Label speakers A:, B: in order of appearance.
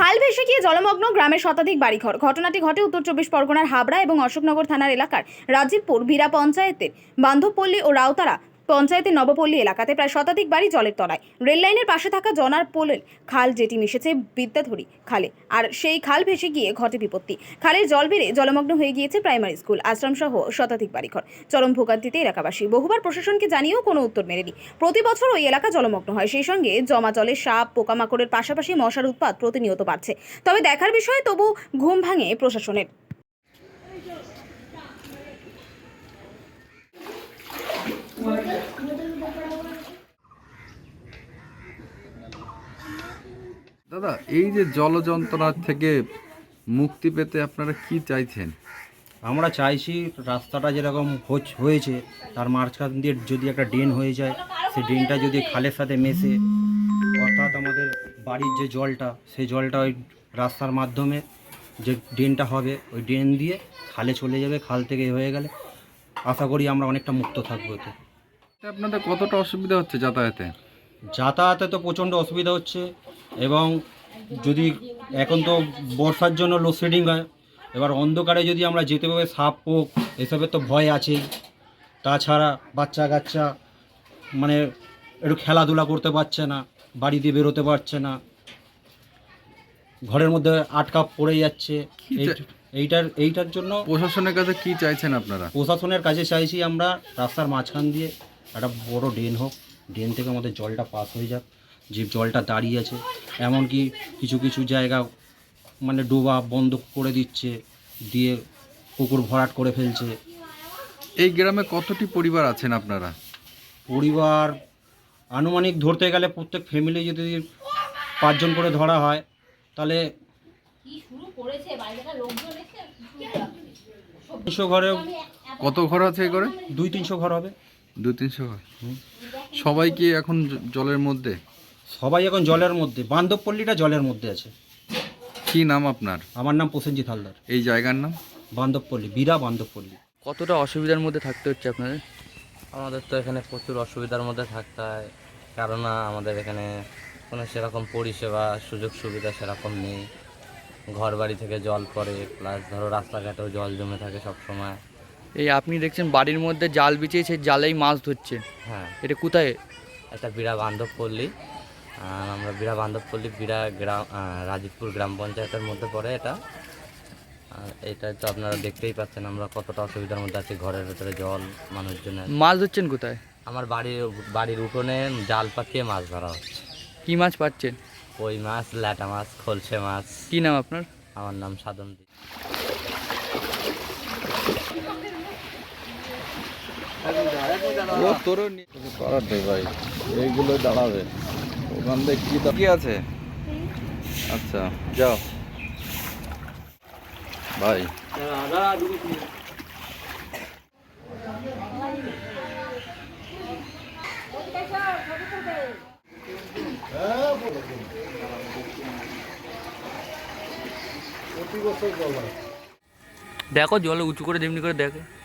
A: খাল ভেসে গিয়ে জলমগ্ন গ্রামের শতাধিক বাড়িঘর। ঘটনাটি ঘটে উত্তর চব্বিশ পরগনার হাবড়া এবং অশোকনগর থানার এলাকার রাজীবপুর ভিরা পঞ্চায়েতের বান্ধবপল্লী ও রাউতারা পঞ্চায়েতের নবপল্লী এলাকাতে প্রায় শতাধিক বাড়ি জলের তলায়। রেল লাইনের পাশে থাকা জনার পোলের খাল, যেটি মিশেছে বিদ্যাধরী খালে, আর সেই খাল ভেসে গিয়ে ঘটে বিপত্তি। খালের জল বেড়ে জলমগ্ন হয়ে গিয়েছে প্রাইমারি স্কুল, আশ্রম সহ শতাধিক বাড়িঘর। চরম ভোগান্তিতে এলাকাবাসী। বহুবার প্রশাসনকে জানিয়েও কোনো উত্তর মেলেনি। প্রতি বছর ওই এলাকা জলমগ্ন হয়, সেই সঙ্গে জমা জলে সাপ, পোকামাকড়ের পাশাপাশি মশার উৎপাত প্রতিনিয়ত বাড়ছে। তবে দেখার বিষয়ে তবু ঘুম ভাঙে প্রশাসনের।
B: দাদা, এই যে জল যন্ত্রণা থেকে মুক্তি পেতে আপনারা কি চাইছেন?
C: আমরা চাইছি রাস্তাটা যেরকম হয়েছে তার মাঝখান দিয়ে যদি একটা ড্রেন হয়ে যায়, সেই ড্রেনটা যদি খালের সাথে মেশে, অর্থাৎ আমাদের বাড়ির যে জলটা, সেই জলটা ওই রাস্তার মাধ্যমে যে ড্রেনটা হবে, ওই ড্রেন দিয়ে খালে চলে যাবে। খাল থেকে হয়ে গেলে আশা করি আমরা অনেকটা মুক্ত থাকবো। এতে
B: আপনাদের কতটা অসুবিধা হচ্ছে যাতায়াতে?
C: যাতায়াতে তো প্রচণ্ড অসুবিধা হচ্ছে, এবং যদি এখন তো বর্ষার জন্য লোডশেডিং হয়, এবার অন্ধকারে যদি আমরা যেতে পারি, সাপ পোক এসবের তো ভয় আছেই। তাছাড়া বাচ্চা কাচ্চা মানে একটু খেলাধুলা করতে পারছে না, বাড়ি দিয়ে বেরোতে পারছে না, ঘরের মধ্যে আটকা পড়ে যাচ্ছে। এইটার জন্য
B: প্রশাসনের কাছে কি চাইছেন আপনারা?
C: প্রশাসনের কাছে চাইছি আমরা রাস্তার মাঝখান দিয়ে একটা বড় ড্রেন হোক, ড্রেন থেকে আমাদের জলটা পাস হয়ে যাক। যে জলটা দাঁড়িয়ে আছে, এমনকি কিছু কিছু জায়গা মানে ডোবা বন্ধ করে দিচ্ছে, দিয়ে পুকুর ভরাট করে ফেলছে।
B: এই গ্রামে কতটি পরিবার আছেন আপনারা?
C: পরিবার আনুমানিক ধরতে গেলে প্রত্যেক ফ্যামিলি যদি 5 জন করে ধরা হয়, তাহলে 300 ঘরে।
B: কত ঘর আছে এই ঘরে?
C: 200-300 ঘর হবে।
B: 200-300 ঘর। সবাই কি এখন জলের মধ্যে?
C: সবাই এখন জলের মধ্যে। বান্ধবপল্লীটা জলের মধ্যে আছে।
B: কি নাম আপনার?
C: আমার নাম প্রসেনজিৎ হালদার।
B: এই জায়গার নাম?
C: বান্ধবপল্লী, ভিরা বান্ধবপল্লী।
D: কতটা অসুবিধার মধ্যে থাকতে হচ্ছে আপনাদের?
E: আমাদের তো এখানে প্রচুর অসুবিধার মধ্যে থাকতে হয়, কারণ আমাদের এখানে কোনো সেরকম পরিষেবা সুযোগ সুবিধা সেরকম নেই। ঘর বাড়ি থেকে জল পড়ে, প্লাস ধরো রাস্তাঘাটেও জল জমে থাকে সব সময়।
D: এই আপনি দেখছেন বাড়ির মধ্যে জাল বিছিয়ে সেই জালেই মাছ ধরছে,
E: হ্যাঁ,
D: এটা কোথায়?
E: এটা বিরা বান্ধবপল্লী। আমরা বিরা বান্ধবপল্লী, বিরা গ্রাম, রাজীবপুর গ্রাম পঞ্চায়েতের মধ্যে পড়ে এটা। আর এটা তো আপনারা দেখতেই পাচ্ছেন আমরা কতটা অসুবিধার মধ্যে আছি। ঘরের ভেতরে জল, মানুষজনের।
D: মাছ ধরছেন কোথায়?
E: আমার বাড়ির উঠোনে জাল পাকিয়ে মাছ ধরা হচ্ছে।
D: কি মাছ পাচ্ছেন?
E: কই মাছ, ল্যাটা মাছ, খলসে মাছ।
D: কি নাম আপনার?
E: আমার নাম সাধন দি।
B: ভাই, এইগুলো দাঁড়াবে ওখান থেকে কি আছে? আচ্ছা, যাও ভাই।
D: দেখো জলে উঁচু করে যেমনি করে দেখে।